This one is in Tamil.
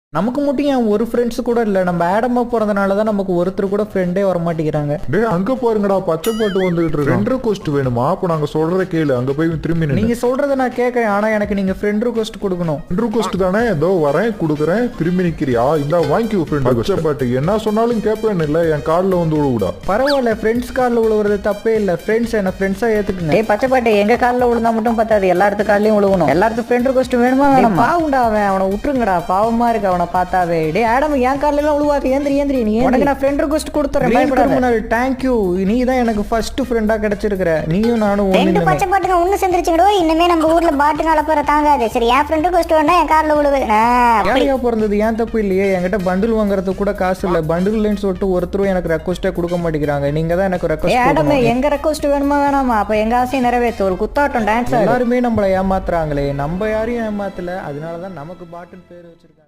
நமக்கு மட்டும் ஏன் ஒரு ஃப்ரெண்ட்ஸ் கூட இல்ல, நம்ம ஆடமா போறதுனால தான் நமக்கு ஒருத்தர் கூட ஃப்ரெண்டே வர மாட்டேங்கிறாங்க. டேய் அங்க பாருங்கடா, பச்சை பாட்டு வந்துகிட்டு இருக்கு. ஃப்ரெண்ட் ரிக்வெஸ்ட் வேணுமா? அப்ப நாங்க சொல்றத கேளு, அங்க போய் திரும்பி நீங்க சொல்றத நான் கேட்கறேன், ஆனா எனக்கு நீங்க ஃப்ரெண்ட் ரிக்வெஸ்ட் கொடுக்கணும். ஃப்ரெண்ட் ரிக்வெஸ்ட் தானே, ஏதோ வரேன் கொடுக்குறேன், திரும்பி நிக்கிறியா? இந்த வாங்கிக்கோ ஃப்ரெண்ட். பச்சை பாட்டு என்ன சொன்னாலும் கேட்பேன் இல்ல, என் காலில் வந்து விழுவுடா. பரவாயில்ல, ஃப்ரெண்ட்ஸ் காலில் விழுவுறது தப்பே இல்ல. ஃப்ரெண்ட்ஸ் என்ன ஃப்ரெண்ட்ஸா ஏத்துக்குங்க. டேய் பச்சை பாட்டு, எங்க காலில் விழுந்தா மட்டும் பத்தாது, எல்லாத்து காலையும் விழுகணும். எல்லாத்துக்கும் ஃப்ரெண்ட் ரிக்வெஸ்ட் வேணுமா வேணாமா? பாவுண்டா அவன், அவனை விட்டுருங்கடா, பாவமா இருக்கு அவனை பார்த்தாவே. டேய் ஆடம், என் காலில எல்லாம் விழுவாது. ஏந்திரி நீ உனக்கு நான் ஃப்ரெண்ட் ரிக்வெஸ்ட் கொடுத்துறேன். தேங்க்யூ, நீ தான் எனக்கு ஃபர்ஸ்ட் ஃப்ரெண்டா கிடைச்சிருக்கிற. நீயும் நானும் ரெண்டு பச்சை பாட்டுங்க ஒண்ணு சேர்ந்துருச்சுங்கடோ. இனிமே நம்ம ஊர்ல பாட்டு நடப்புற தாங்காது. சரி, என் ஃப்ரெண்ட் ரிக்வெஸ்ட் வேணா என் கார்ல விழுவு. யாரையா பிறந்தது ஏன் தப்பு இல்லையே. என்கிட்ட பண்டில் வாங்குறதுக்கு கூட காசு இல்ல. பண்டில் இல்லைன்னு சொல்லிட்டு ஒருத்தரும் எனக்கு ரெக்வஸ்டே கொடுக்க மாட்டேங்கிறாங்க. நீங்க தான் எனக்கு ரெக்வஸ்ட். ஆடம், எங்க ரெக்வெஸ்ட் வேணுமா வேணாமா? அப்ப எங்க ஆசையை நிறைவேற்ற ஒரு குத்தாட்டம் டான்ஸ். எல்லாருமே நம்மளை ஏமாத்துறாங்களே, நம்ம யாரையும் ஏமாத்தல. அதனாலதான் நமக்கு பாட்டுன்னு பேர் வச்சிருக்காங்க.